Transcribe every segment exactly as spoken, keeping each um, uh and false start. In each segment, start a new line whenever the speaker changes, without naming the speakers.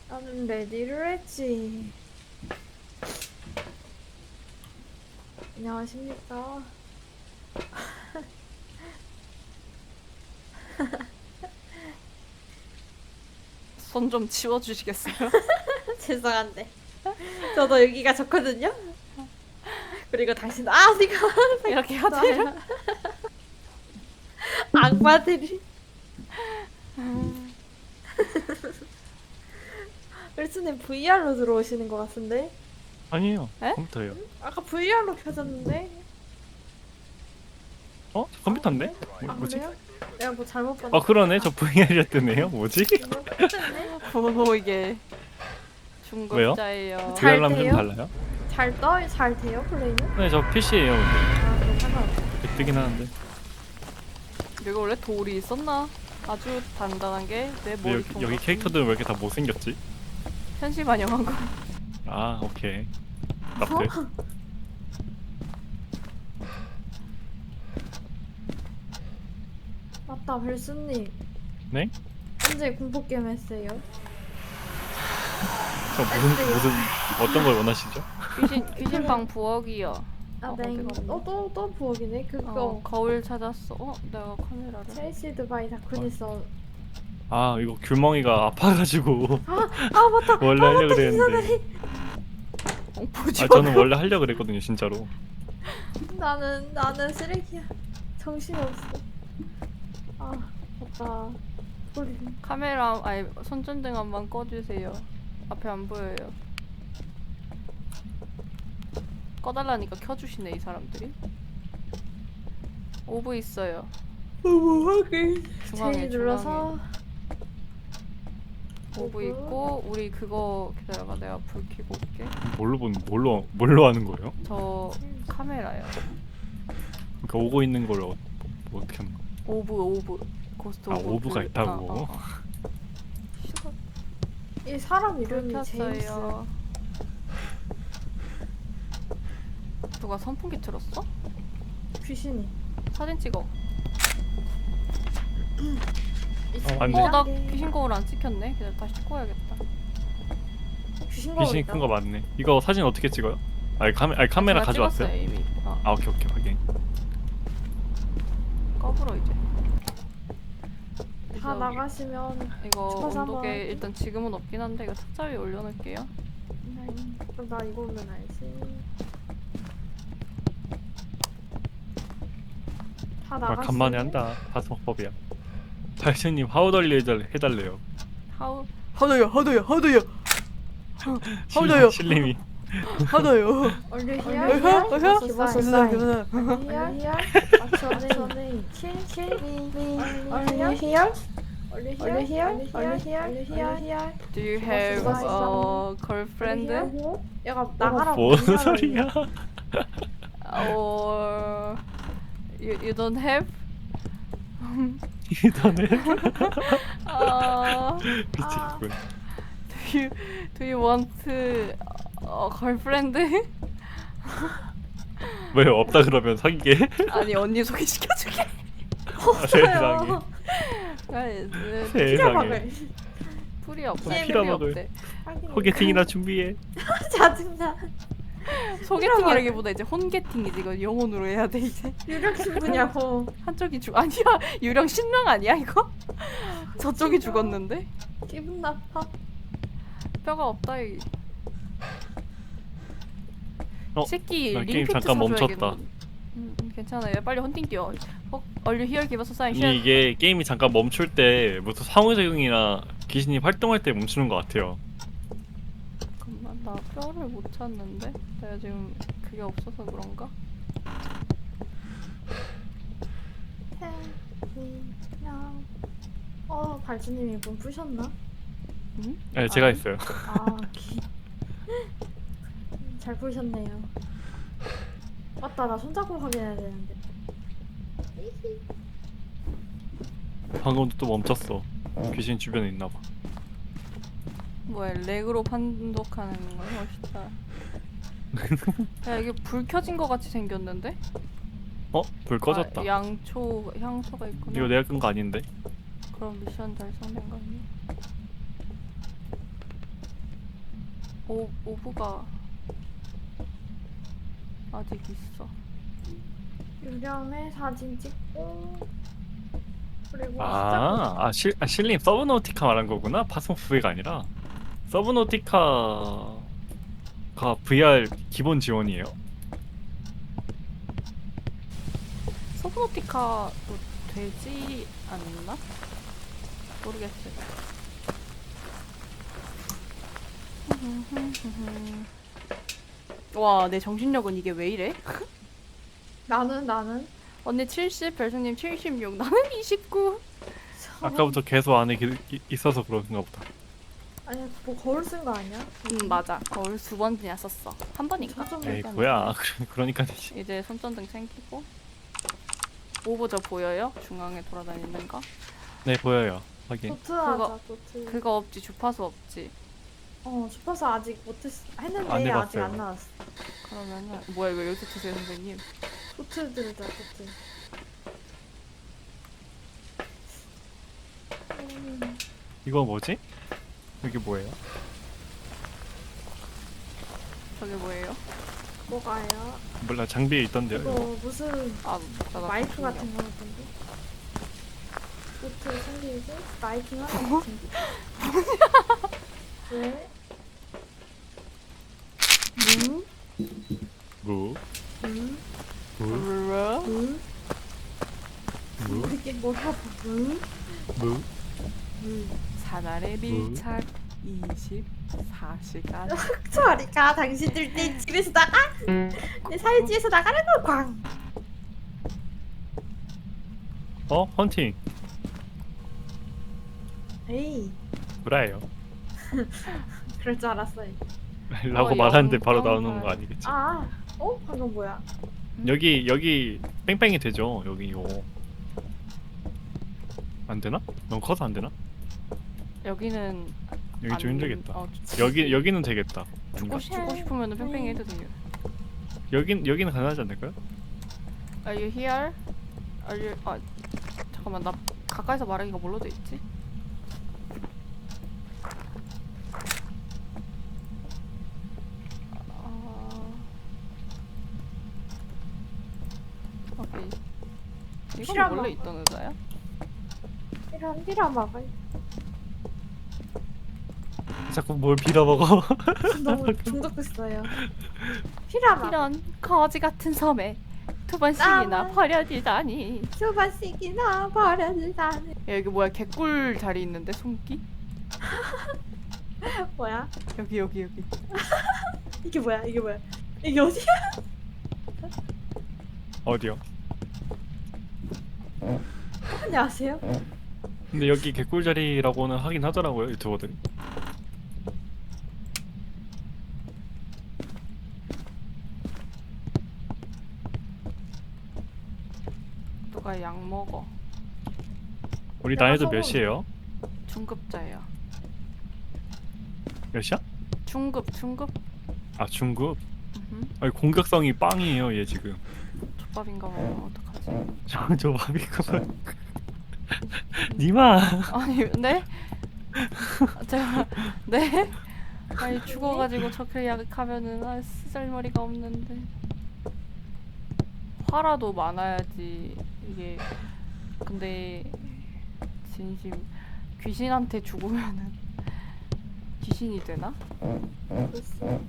나는 레디를 했지. 안녕하십니까.
손 좀 치워주시겠어요?
죄송한데. 저도 여기가 좋거든요. 그리고 당신 아 네가
이렇게 하세요?
악마들이. 일스님 브이알로 들어오시는 것 같은데?
아니에요.
에?
컴퓨터예요.
아까 브이알로 켜졌는데?
어? 저 컴퓨터인데? 뭐,
아
뭐지?
그래요? 내가 뭐 잘못 봤나?
아 그러네. 저 브이알이 뜨네요. 뭐지?
이거 켰네?
오 이게
왜요?
중급자예요.
잘
브이알랑 좀
돼요?
달라요?
잘 떠? 잘 돼요 플레이는?
네, 저 피시예요. 근데
아 그럼 상관없어.
뜨긴 하는데.
여기 원래 돌이 있었나? 아주 단단한 게 내
근데
머리
여기, 여기 캐릭터들은 왜 이렇게 다 못생겼지?
현실 반영한 거.
아 오케이. 납득.
맞다 벨수님.
네?
언제 공포게임 했어요?
저 무슨 무슨 어떤 걸 원하시죠?
귀신 귀신방 부엌이요.
아
어,
네.
어디 갔니?
어또 또 부엌이네 그거.
어, 거울 찾았어. 어 내가 카메라를.
첼시드 바이 다크니스.
아 이거 귤멍이가 아파가지고
아 맞다.
원래 하려고 그랬는데.
어, 보지
아
마.
저는 원래 하려고 그랬거든요 진짜로.
나는 나는 쓰레기야. 정신이 없어. 아 맞다. 소리.
카메라 아니 손전등 한번 꺼주세요. 앞에 안 보여요. 꺼달라니까 켜주시네 이 사람들이. 오브 있어요.
뭐하게?
중앙에
제일 눌러서.
오브
오브.
있고 우리 그거 기다려봐 내가 불 켜고 올게.
뭘로 본 뭘로 뭘로 하는 거예요?
저 카메라요.
그러니까 오고 있는 걸 어, 뭐 어떻게 하는 거?
오브 오브 고스트
아,
오브.
오브가
불.
있다고?
어, 어, 어.
이 사람
불
이름이 제임스.
켰어요. 누가 선풍기 틀었어?
귀신이.
사진 찍어.
맞네.
어 나 귀신 거울 안 찍혔네. 그냥 다시 찍고 와야겠다.
귀신 거울
귀신이
있다.
큰 거 맞네. 이거 사진 어떻게 찍어요? 아니 카메 아니 카메라
제가
가져왔어요?
찍었어요, 이미. 어.
아 오케이 오케이 확인.
꺼불어 이제.
다
그래서
나가시면.
이거
추가서
온도계
한번
일단 지금은 없긴 한데 이거 탁자 위에 올려놓을게요.
음, 그럼 나 이거 오면 알지. 다
아,
나가시.
간만에 한다. 다스먹법이야. 발신님 하우덜리 해달, 해달래요.
하우 하나요 하나요 하나요
실-
하우덜요.
실님이
하나요.
얼류
어허,
히어.
어허.
히어.
감사합니다.
히어. 맞춰네. 킬 킬. 얼류 히어. 얼류 히어. 얼류 히어. 얼류 히어. 얼류 히어.
Do you have a girlfriend?
얘가 나가라고.
뭔 소리야?
Or you you don't have?
이더네
Uh,
미치겠군.
do you do you want a girlfriend?
왜요? 없다 그러면 사귀게?
아니 언니 소개시켜줄게.
아, 세상에. 세상에.
피자박을.
풀이 없어.
피엠
풀이
먹을.
없대.
소개팅이나 준비해.
짜증나.
소개팅이라기보다 이제 혼게팅이지. 이거 영혼으로 해야 돼 이제.
유력 신부냐고.
한쪽이 죽 아니야 유령 신랑 아니야 이거? 저쪽이 죽었는데
기분 나빠.
뼈가 없다 이
어?
새끼
나 게임
링피트
잠깐 멈췄다.
사줘야겠는데. 음, 음, 괜찮아요 빨리 헌팅 뛰어. 어? 얼류 히얼 기버서 사인
아니 이게 게임이 잠깐 멈출 때 무슨 상호작용이나 귀신이 활동할 때 멈추는 것 같아요.
잠깐만 나 뼈를 못 찾는데 내가 지금 그게 없어서 그런가?
어, 발주님이 문 부셨나?
응?
네 제가
아니.
했어요.
아, 기... 잘 부셨네요. 맞다, 나 손잡고 확인해야 되는데.
방금도 또 멈췄어. 귀신 주변에 있나봐.
뭐야 렉으로 판독하는 거야? 멋있다. 야 이게 불 켜진 거 같이 생겼는데?
어? 불 꺼졌다.
아, 양초 향초가 있구나.
이거 내가 끈 거 아닌데?
그럼 미션 달성된 거 아니야? 오 오브가 아직 있어.
유령의 사진 찍고 그리고
아, 아, 실, 아 실님 서브노티카 말한 거구나. 파스모프가 아니라 서브노티카가 브이알 기본 지원이에요.
서브노티카도 되지 않나? 모르겠어요. 와, 내 정신력은 이게 왜 이래?
나는 나는
언니 칠십, 별승님 칠십육, 나는 이십구.
아까부터 계속 안에 기, 이- 있어서 그런가 보다.
아니 뭐 거울 쓴 거 아니야?
음, 맞아. 거울 두 번이나 썼어. 한 번인가?
저좀
에이
얘기하네.
뭐야. 그러니까 되지.
이제 손전등 챙기고. 오브 저 보여요? 중앙에 돌아다니는 거?
네 보여요. 확인.
도트 하자
그거-
도트.
그거 없지, 주파수 없지.
어 주파수 아직 못했 했는데
안
아직
해봤어요.
안 나왔어.
그러면은 뭐야 이거 여기서 드세요 선생님?
도트 들자 도트. 음,
이거 뭐지? 이게 뭐예요?
저게 뭐예요?
뭐가요?
몰라 장비에 있던데요.
이거
이거.
무슨
아 나, 나
마이크
바쁜데요.
같은 거 같은데? 도트 챙기고 마이킹 하나 챙기고. 왜?
무?
무,
음?
무,
무?
음?
무,
이게 뭐라고? 음?
무.
사날의 밀착 이십사 시간.
저리가 당신들 내 집에서 나가? 내 사유지에서 나가는 거 광.
어? 헌팅.
에이
브라예요.
그럴 줄 알았어요.
라고
어,
말하는데
영
바로
점
나오는 거
팔.
아니겠지?
아, 어? 방금 뭐야?
여기 여기 뺑뺑이 되죠? 여기 이거 안 되나? 너무 커서 안 되나?
여기는
여기 좀
안-
힘들겠다.
어,
여기 여기는 되겠다. 아닌가?
죽고, 싶- 죽고 싶으면 뺑뺑이 해도 돼요.
여긴 여기는 가능하지 않을까요?
Are you here? Are you... 아 잠깐만 나 가까이서 말하기가 뭘로 돼 있지? 아... 오케이. 이건
필요한
원래
거.
있던 의자야?
이런 이런 막아.
자꾸 뭘 빌어먹어.
너무 중독됐어요. 피라마.
이런 거지 같은 섬에 두 번씩이나
나만-
버려지다니.
두 번씩이나 버려지다니.
야 여기 뭐야 개꿀 자리 있는데 숨기?
뭐야?
여기 여기 여기.
이게 뭐야? 이게 뭐야? 이게 어디야?
어디요?
안녕하세요.
근데 여기 개꿀자리라고는 하긴 하더라고요 유튜버들.
누가 약 먹어?
우리
내가
나이도
성우-
몇 시에요?
중급자예요.
몇이야?
중급 중급.
아 중급.
음흠.
아니 공격성이 빵이에요 얘 지금.
족밥인가 봐요. 어떡하지?
저저 바비가 니마.
아니 네? 제가 네? 아니 죽어가지고 저렇게 약하면은 아 쓰잘머리가 없는데 화라도 많아야지 이게. 근데 진심 귀신한테 죽으면은 귀신이 되나?
글쎄.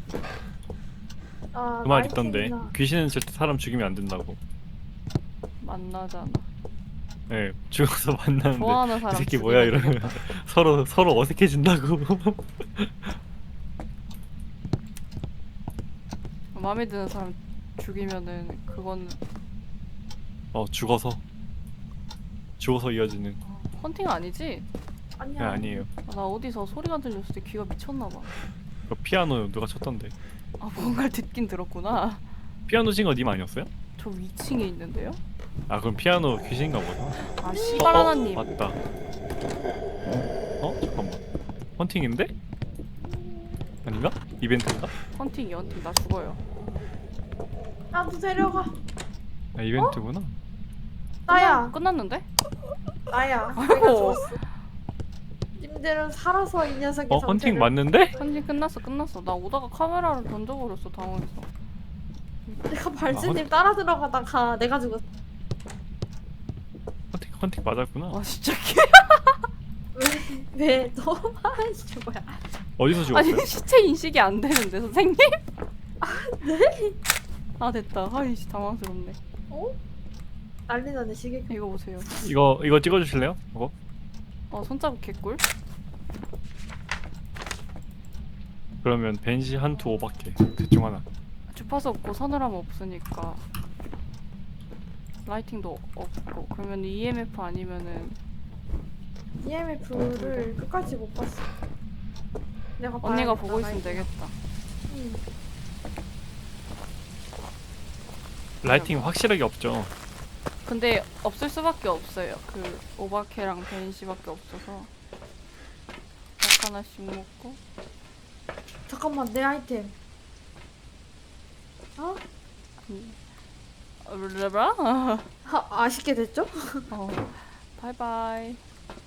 아,
그 말 있던데
마이킹이나.
귀신은 절대 사람 죽이면 안 된다고.
만나잖아.
예, 죽어서 만나는데
좋아하는
이
사람
새끼 뭐야
죽이면
이러면 서로 서로 어색해진다고.
마음에 드는 사람 죽이면은 그건
어 죽어서 죽어서 이어지는.
헌팅 아니지?
아니야.
네, 아니에요.
아, 나 어디서 소리가 들렸을 때 귀가 미쳤나봐.
그 피아노 누가 쳤던데.
아 뭔가를 듣긴 들었구나.
피아노 친 거 님 아니었어요?
저 위층에 있는데요?
아 그럼 피아노 귀신인가 보다.
아
어,
씨발
어,
하나님.
맞다. 어 잠깐만. 헌팅인데? 아닌가? 이벤트인가?
헌팅이 헌팅 나 죽어요.
나도 데려가.
아 이벤트구나.
나야.
끝났는데?
나야.
아이고.
내가 죽었어. 님들 이들은 살아서 이 녀석의
어 헌팅
정체를-
맞는데?
한지 끝났어 끝났어. 나 오다가 카메라를 던져버렸어 당황해서.
내가
아,
발진님 따라 들어가다가 내가 죽었어.
헌팅 헌팅 맞았구나.
와 진짜
왜 너? 아이씨 뭐야?
어디서
아니
죽었어요?
시체 인식이 안 되는데 선생님? 아 네? 아 됐다. 아이씨 당황스럽네.
어? 난리 나네 시계.
이거 보세요.
이거 이거 찍어주실래요? 이거?
어 손자국 개꿀.
그러면 벤시 한투 오밖에 대충 하나.
주파수 없고 서늘함 없으니까 라이팅도 없고 그러면 이엠에프 아니면은
이엠에프를 끝까지 못 봤어. 내가
언니가
봐야겠다,
보고 있으면
나이트가.
되겠다.
응.
라이팅 확실하게 없죠.
근데 없을 수밖에 없어요. 그 오바케랑 벤시밖에 없어서 약 하나씩 먹고.
잠깐만 내 아이템. 어?
르르라?
아, 아쉽게 됐죠?
어. 바이바이.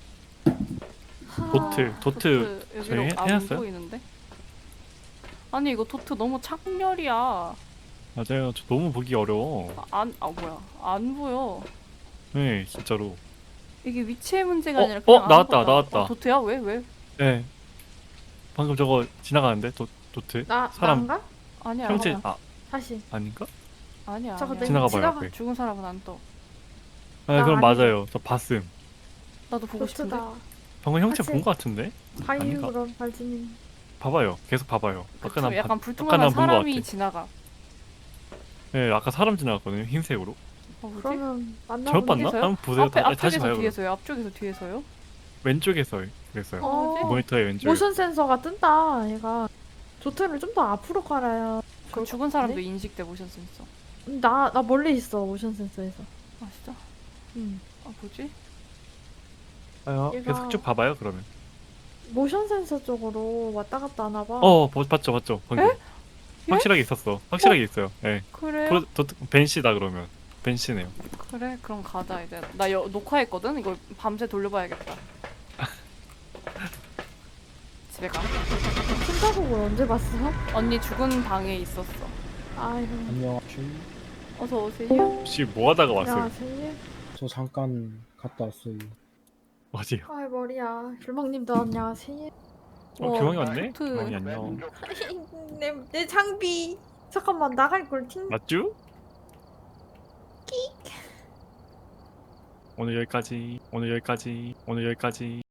도트 도트
여기로
저희 해-
안
해놨어요?
보이는데? 아니 이거 도트 너무 창렬이야.
맞아요. 저 너무 보기 어려워.
아, 안, 아 뭐야? 안 보여.
네 진짜로.
이게 위치의 문제가
어,
아니라
어,
그냥
나왔다,
아무것도 안-
나왔다.
어, 도트야? 왜? 왜?
네. 방금 저거 지나가는데 도 도트?
나
사람
난가?
아니야.
형체
아니야.
아
다시.
아닌가?
아니야.
저거
아니야.
내-
지나가봐요
지나가-
앞에.
죽은 사람은 안 떠.
아
나
그럼
아니죠.
맞아요. 저 봤음.
나도 보고 싶은데.
도트다.
방금 형체
같이-
본 거 같은데?
하이유
아닌가?
그럼 발진님.
봐봐요. 계속 봐봐요.
그
아까 난
약간
봐- 아까
불투명한
난본거
사람이
같아.
지나가.
네 아까 사람 지나갔거든요. 흰색으로.
어, 뭐지?
그러면 만나.
잘못 봤나?
뒤에서요?
한번 보세요.
앞에
다, 다시
앞쪽에서
봐요. 그럼.
뒤에서요. 앞쪽에서 뒤에서요.
왼쪽에서 그랬어요.
어.
뭐지?
모니터의 왼쪽.
모션 센서가 뜬다. 얘가 도트를 좀 더 앞으로 깔아야.
그 죽은 사람도 인식돼 모션 센서.
나나 멀리 있어 모션 센서에서.
아 진짜?
응.
아 뭐지?
아,
얘가-
계속 쭉 봐봐요. 그러면.
모션 센서 쪽으로 왔다 갔다 하나 봐.
어 보- 봤죠 봤죠. 방금. 확실하게 있었어. 확실하게 있어요. 예.
그래요?
프로 도, 벤시다 그러면. 벤시네요.
그래 그럼 가자 이제. 나 여, 녹화했거든. 이거 밤새 돌려봐야겠다. 집에 가.
손자국을 언제 봤어?
언니 죽은 방에 있었어.
아이고.
안녕하세요.
어서 오세요.
혹시 뭐 하다가 왔어요?
야 생일.
저 잠깐 갔다 왔어요.
어디요?
아이 머리야. 불망님도 안녕하세요.
어,
와,
규망이 왔네?
토트.
규망이 안녕.
내, 내 장비. 잠깐만 나갈 걸 팅.
맞죠? 오늘 여기까지. 오늘 여기까지. 오늘 여기까지.